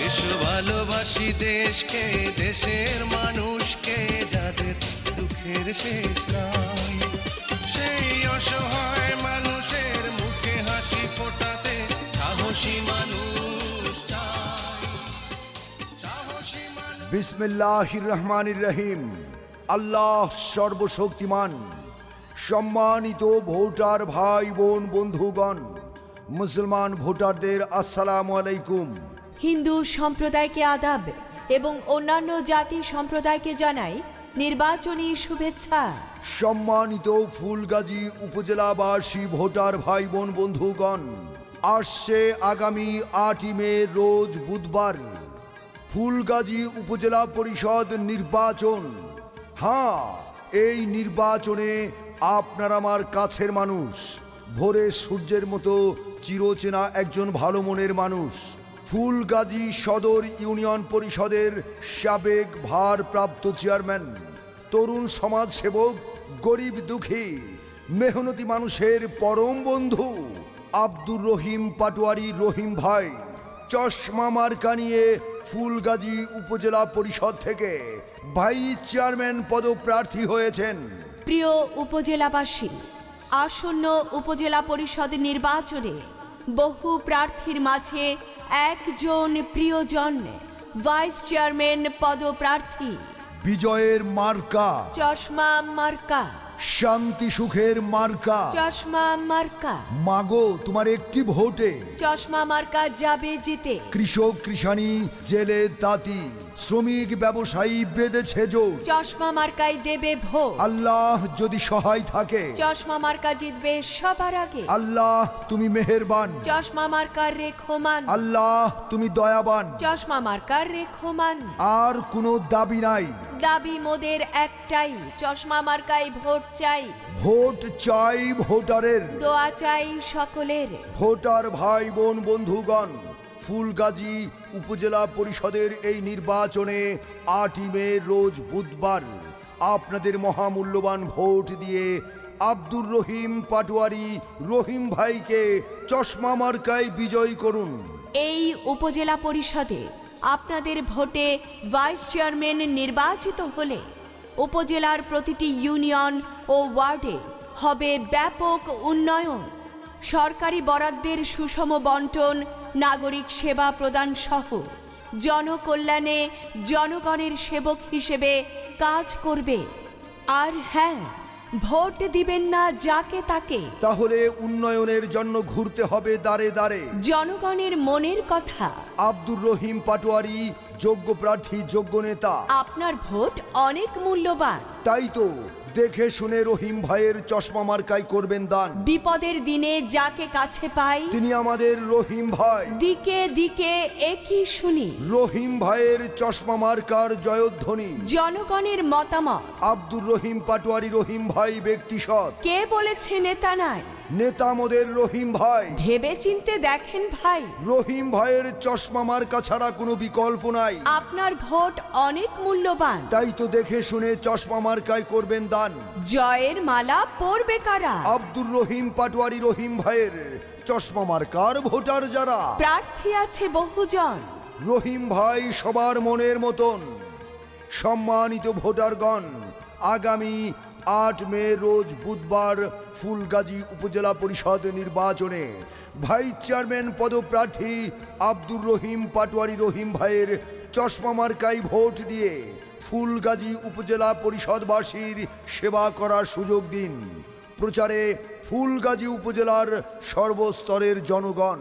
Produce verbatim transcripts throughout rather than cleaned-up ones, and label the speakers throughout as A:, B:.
A: দেশ ভালোবাসি দেশকে, দেশের মানুষকে, যাদের দুঃখের শেষ নাই, সেই অসহায় মানুষের মুখে হাসি ফোটাতে সাহসী মানুষ চাই, সাহসী মানুষ।
B: বিসমিল্লাহির রহমানির রহিম। আল্লাহ সর্বশক্তিমান। সম্মানিত ভোটার ভাই বোন বন্ধুগণ, মুসলমান ভোটারদের আসসালামু আলাইকুম।
C: হিন্দু সম্প্রদায়কে আদাব এবং অন্যান্য জাতি সম্প্রদায়কে জানাই নির্বাচনী শুভেচ্ছা।
B: সম্মানিত ফুলগাজী উপজেলাবাসী ভোটার ভাই বোন বন্ধুগণ, আসছে আগামী আটই মে রোজ বুধবার ফুলগাজী উপজেলা পরিষদ নির্বাচন। হ্যাঁ, এই নির্বাচনে আপনার আমার কাছের মানুষ, ভোরে সূর্যের মতো চিরচেনা একজন ভালো মনের মানুষ, ফুলগাজী সদর ইউনিয়ন পরিষদের সাবেক ভারপ্রাপ্ত চেয়ারম্যান, তরুণ সমাজসেবক, গরিব দুঃখী মেহনতি মানুষের পরম বন্ধু আব্দুর রহিম পাটোয়ারি রহিম ভাই চশমা মার্কা নিয়ে ফুলগাজী উপজেলা পরিষদ থেকে ভাইস চেয়ারম্যান পদপ্রার্থী হয়েছেন।
C: প্রিয় উপজেলাবাসী, আসন্ন উপজেলা পরিষদ নির্বাচনে বহু প্রার্থীর মাঝে একজন প্রিয়জন ভাইস চেয়ারম্যান পদপ্রার্থী।
B: বিজয়ের মার্কা
C: চশমা মার্কা,
B: শান্তি সুখের মার্কা।
C: চশমা মার্কা,
B: মাগো তোমার একটি ভোটে
C: চশমা মার্কা যাবে জিতে।
B: কৃষক কৃষানি জেলে তাঁতি শ্রমিক ব্যবসায়ী বেঁধেছে জোর।
C: চশমা মার্কায় দেবে ভোট।
B: আল্লাহ যদি সহায় থাকে,
C: চশমা মার্কা জিতবে সবার আগে।
B: আল্লাহ তুমি মেহেরবান,
C: চশমা মার্কার রেখমান।
B: আল্লাহ তুমি দয়াবান।
C: চশমা মার্কার রেখমান।
B: আর কোনো দাবি নাই,
C: দাবি মোদের একটাই, চশমা মার্কায় ভোট চাই।
B: ভোট চাই ভোটারের,
C: দোয়া চাই সকলের।
B: ভোটার ভাই বোন বন্ধুগণ, ফুলগাজী উপজেলা পরিষদের এই নির্বাচনে আটই মে রোজ বুধবার আপনাদের মহামূল্যবান ভোট দিয়ে আব্দুর রহিম পাটোয়ারি রহিম ভাইকে চশমা মার্কায় বিজয়ী করুন।
C: এই উপজেলা পরিষদে আপনাদের ভোটে ভাইস চেয়ারম্যান নির্বাচিত হলে উপজেলার প্রতিটি ইউনিয়ন ও ওয়ার্ডে হবে ব্যাপক উন্নয়ন, সরকারি বরাদ্দের সুষম বন্টন, নাগরিক সেবা প্রদান সহ জনকল্যাণে জনগণের সেবক হিসেবে কাজ করবে। আর হ্যাঁ, ভোট দিবেন না যাকে তাকে,
B: তাহলে উন্নয়নের জন্য ঘুরতে হবে দাঁড়ে দাঁড়ে।
C: জনগণের মনের কথা।
B: আব্দুর রহিম পাটোয়ারি যোগ্য প্রার্থী, যোগ্য নেতা।
C: আপনার ভোট অনেক মূল্যবান,
B: তাই তো দেখে শুনে রহিম ভাইয়ের চশমা মার্কায় করবেন দান।
C: বিপদের দিনে যাকে কাছে পাই
B: তিনি আমাদের রহিম ভাই।
C: দিকে দিকে একই শুনি
B: রহিম ভাইয়ের চশমা মার্কার জয়ধ্বনি।
C: জনগণের মতামত।
B: আব্দুর রহিম পাটোয়ারি রহিম ভাই ব্যক্তি সৎ।
C: কে বলেছে নেতা নাই?
B: নেতা মোদের রহিম ভাই।
C: ভেবে চিনতে দেখেন ভাই,
B: রহিম ভাইয়ের চশমা মার্কা ছাড়া কোনো বিকল্প নাই।
C: আপনার ভোট অনেক মূল্যবান,
B: তাই তো দেখে শুনে চশমা মার্কায় করবেন দান।
C: জয়ের মালা পরবে কারা?
B: আব্দুর রহিম পাটোয়ারি রহিম ভাইয়ের চশমা মার্কার ভোটার যারা।
C: প্রার্থী আছে বহুজন,
B: রহিম ভাই সবার মনের মতন। সম্মানিত ভোটারগণ, আগামী আট মে রোজ বুধবার ফুলগাজী উপজেলা পরিষদ নির্বাচনে ভাইস চেয়ারম্যান পদপ্রার্থী আব্দুর রহিম পাটোয়ারি রহিম ভাইয়ের চশমা মার্কায় ভোট দিয়ে ফুলগাজী উপজেলা পরিষদবাসীর সেবা করার সুযোগ দিন। প্রচারে ফুলগাজী উপজেলার সর্বস্তরের জনগণ।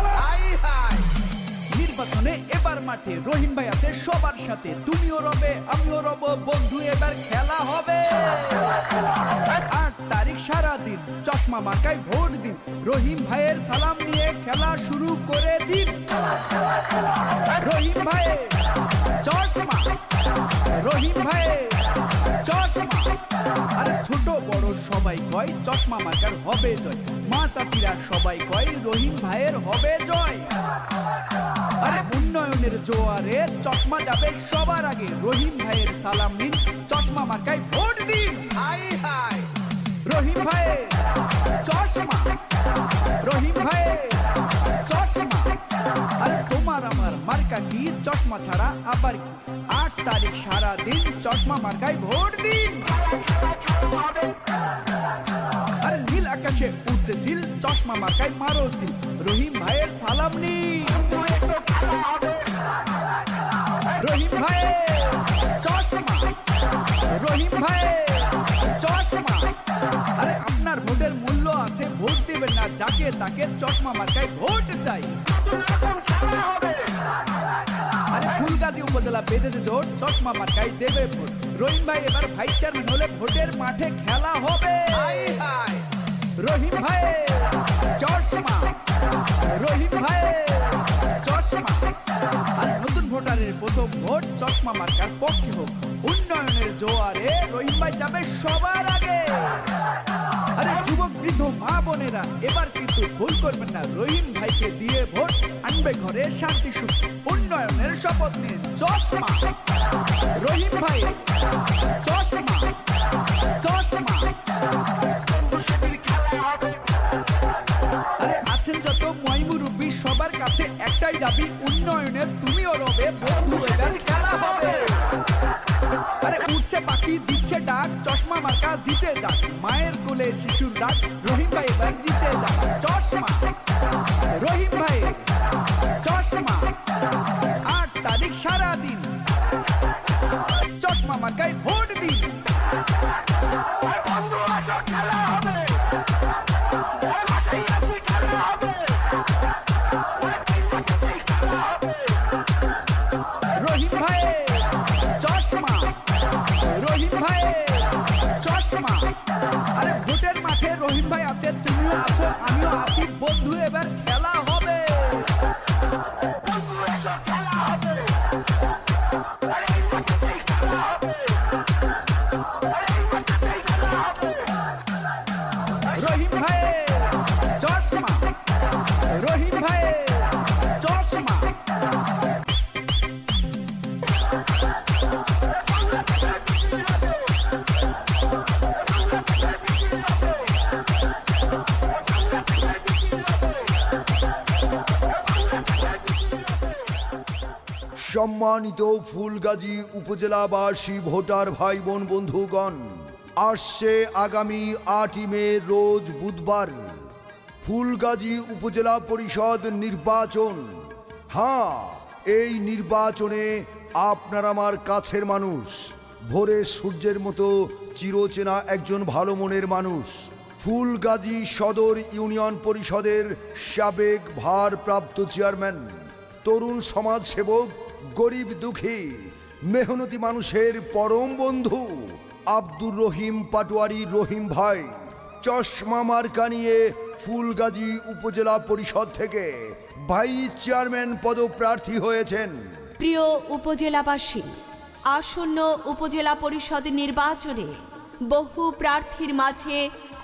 D: নির্বাচনে এবার মাঠে রহিম ভাই আছে সবার সাথে, তুমিও রবে আমিও রব বন্ধু, এবার খেলা হবে। আট তারিখ সারাদিন চশমা মার্কায় ভোট দিন, রহিম ভাইয়ের সালাম নিয়ে খেলা শুরু করে দিন। রহিম ভাই চশমা, রহিম ভাই চশমা। আরে ছোট বড় সবাই কয় চশমা মার্কার হবে জয়, মা চাচিরা সবাই কয় রহিম ভাইয়ের হবে জয়। আরে উন্নয়নের জোয়ারে চশমা যাবে সবার আগে, রহিম ভাইয়ের সালাম নিন, চশমা মার্কায় ভোট দিন। রহিম ভাই চশমা, রহিম ভাই চশমা। আরে তোমার আমার মার্কা মার্কা কি, চশমা ছাড়া আবার কি? আট তারিখ সারা দিন চশমা মার্কায় ভোট দিন। আরে নীল আকাশে উঠছে ঝিল, চশমা মার্কায় মারো ঝিল। রহিম ভাইয়ের সালাম নি, রহিম ভাই চশমা, রহিম ভাই চশমা। আরে আপনার ভোটের মূল্য আছে, ভোট দিবেন না যাকে তাকে, চশমা মার্কায় ভোট চাই। আরে ফুলগাজী উপজেলা বেঁধেছে জোট, চশমা মার্কায় দেবে ভোট। রহিম ভাই এবার ভাইস চেয়ারম্যান হলে ভোটের মাঠে খেলা হবে। রহিম ভাই চশমা, রহিম ভাই চশমা। আর নতুন ভোটারের প্রথম ভোট চশমা মার্কার পক্ষে হোক। উন্নয়নের জোয়ারে রহিম ভাই যাবে সবার আগে। আরে যুবক বৃদ্ধ মা বোনেরা এবার কিন্তু ভুল করবেন না, রহিম ভাইকে দিয়ে ভোট আনবে ঘরে শান্তি সুখ। উন্নয়নের শপথ নিন, চশমা, রহিম ভাই চশমা, চশমা। আরে আছেন যত ময়মুরব্বী সবার কাছে একটাই দাবি, উন্নয়নের তুমিও রবে বন্ধু, এবার খেলা হবে। আরে উঠছে পাখি দিচ্ছে ডাক, চশমা মার্কা জিতে যাক। মায়ের কোলে শিশুর ডাক, রহিম ভাই এবার জিতে যাক। চশমা, রহিম ভাই চশমা। আট তারিখ সারা দিন চশমা মার্কায় ভোট দিন। রহিম ভাই চশমা, রহিম ভাই চশমা। আরে ভোটের মাঠে রহিম ভাই আছে, তুমিও আছো আমিও আছি, বন্ধু এবার খেলা হবে। রহিম ভাই চশমা, রহিম ভাই চশমা।
B: সম্মানিত ফুলগাজী উপজেলাবাসী ভোটার ভাই বোন বন্ধুগণ, আসছে আগামী আটই মে রোজ বুধবার ফুলগাজী উপজেলা পরিষদ নির্বাচন। হ্যাঁ, এই নির্বাচনে আপনার আমার কাছের মানুষ, ভোরে সূর্যের মতো চিরচেনা একজন ভালো মনের মানুষ, ফুলগাজী সদর ইউনিয়ন পরিষদের সাবেক ভারপ্রাপ্ত চেয়ারম্যান, তরুণ সমাজসেবক, গরিব দুঃখী মেহনতি মানুষের পরম বন্ধু আব্দুর রহিম পাটোয়ারি রহিম ভাই চশমা মার্কা নিয়ে ফুলগাজী উপজেলা পরিষদ থেকে ভাইস চেয়ারম্যান পদপ্রার্থী হয়েছেন।
C: প্রিয় উপজেলাবাসী, আসন্ন উপজেলা পরিষদ নির্বাচনে বহু প্রার্থীর মাঝে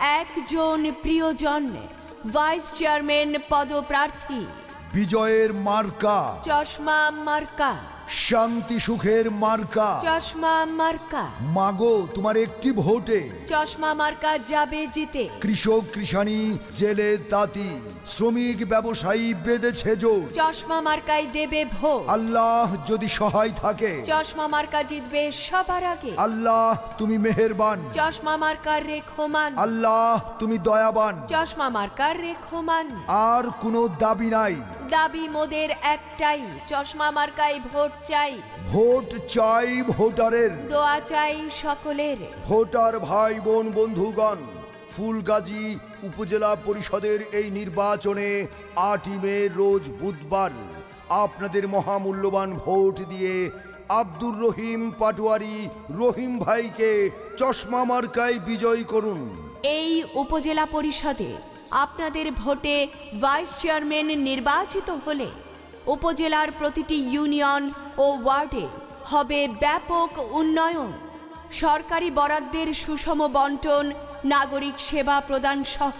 C: একজন প্রিয়জন ভাইস চেয়ারম্যান পদপ্রার্থী।
B: বিজয়ের মার্কা
C: চশমা মার্কা,
B: শান্তি সুখের মার্কা।
C: চশমা মার্কা,
B: মাগো তোমার একটি ভোটে
C: চশমা মার্কা যাবে জিতে।
B: কৃষক কৃষানি জেলে তাঁতি শ্রমিক ব্যবসায়ী বেঁধেছে জোর,
C: চশমা মার্কায় দেবে ভোট।
B: আল্লাহ যদি সহায় থাকে,
C: চশমা মার্কা জিতবে সবার আগে।
B: আল্লাহ তুমি মেহেরবান,
C: চশমা মার্কার রেখমান।
B: আল্লাহ তুমি দয়াবান।
C: চশমা মার্কার রেখমান।
B: আর কোনো দাবি নাই,
C: দাবি মোদের একটাই, চশমা মার্কায় ভোট চাই।
B: ভোট চাই ভোটারের,
C: দোয়া চাই সকলের।
B: ভোটার ভাই বোন বন্ধুগণ, ফুলগাজী উপজেলা পরিষদের এই নির্বাচনে আটই মে রোজ বুধবার আপনাদের মহামূল্যবান ভোট দিয়ে আব্দুর রহিম পাটোয়ারি রহিম ভাইকে চশমা মার্কায় বিজয়ী করুন।
C: এই উপজেলা পরিষদে আপনাদের ভোটে ভাইস চেয়ারম্যান নির্বাচিত হলে উপজেলার প্রতিটি ইউনিয়ন ও ওয়ার্ডে হবে ব্যাপক উন্নয়ন, সরকারি বরাদ্দের সুষম বন্টন, নাগরিক সেবা প্রদান সহ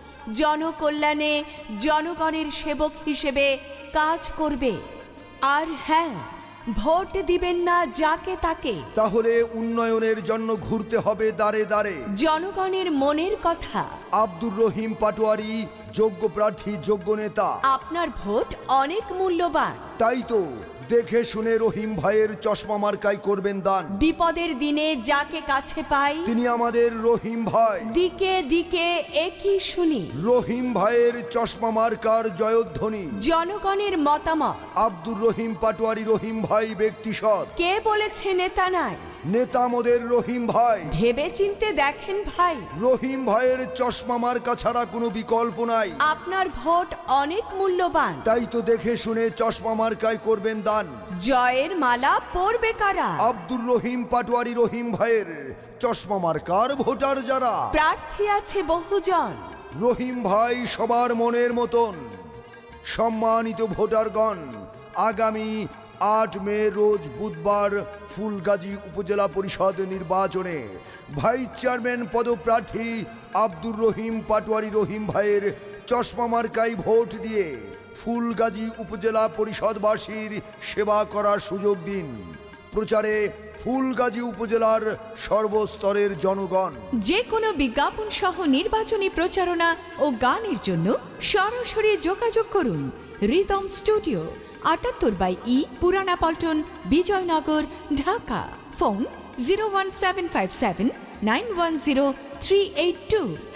C: জনকল্যাণে জনগণের সেবক হিসেবে কাজ করবে। আর হ্যাঁ, ভোট দিবেন না যাকে তাকে,
B: তাহলে উন্নয়নের জন্য ঘুরতে হবে দাঁড়ে দাঁড়ে।
C: জনগণের মনের কথা
B: আব্দুর রহিম পাটোয়ারি যোগ্য প্রার্থী যোগ্য নেতা।
C: আপনার ভোট অনেক মূল্যবান।
B: তাই তো দেখে শুনে রহিম ভাইয়ের চশমা মার্কায় করবেন দান।
C: বিপদের দিনে যাকে কাছে পাই
B: তিনি আমাদের রহিম ভাই।
C: দিকে দিকে একই শুনি
B: রহিম ভাইয়ের চশমা মার্কার জয়ধ্বনি।
C: জনগণের মতামত।
B: আব্দুর রহিম পাটোয়ারি রহিম ভাই ব্যক্তি সৎ।
C: কে বলেছে নেতা নাই?
B: নেতা মোদের রহিম ভাই।
C: ভেবে চিনতে দেখেন ভাই,
B: রহিম ভাইয়ের চশমা মার্কা ছাড়া কোনো বিকল্প নাই।
C: আপনার ভোট অনেক মূল্যবান।
B: তাই তো দেখে শুনে চশমা মার্কায় করবেন দান।
C: জয়ের মালা পরবে কারা?
B: আব্দুর রহিম পাটোয়ারি রহিম ভাইয়ের চশমা মার্কার ভোটার যারা।
C: প্রার্থী আছে বহুজন,
B: রহিম ভাই সবার মনের মতন। সম্মানিত ভোটারগণ, আগামী আট মে রোজ বুধবার ফুলগাজী উপজেলা পরিষদ নির্বাচনে ভাইস চেয়ারম্যান পদপ্রার্থী আব্দুর রহিম পাটোয়ারি রহিম ভাইয়ের চশমা মার্কায় ভোট দিয়ে ফুলগাজী উপজেলা পরিষদবাসীর সেবা করার সুযোগ দিন। প্রচারে ফুলগাজী উপজেলার সর্বস্তরের জনগণ।
E: যে কোনো বিজ্ঞাপন সহ নির্বাচনী প্রচারণা ও গানের জন্য সরাসরি যোগাযোগ করুন রিদম স্টুডিও, আটাত্তর by E Purana Paltan, Bijoynagar, Dhaka. Phone zero one seven five seven nine one zero three eight two.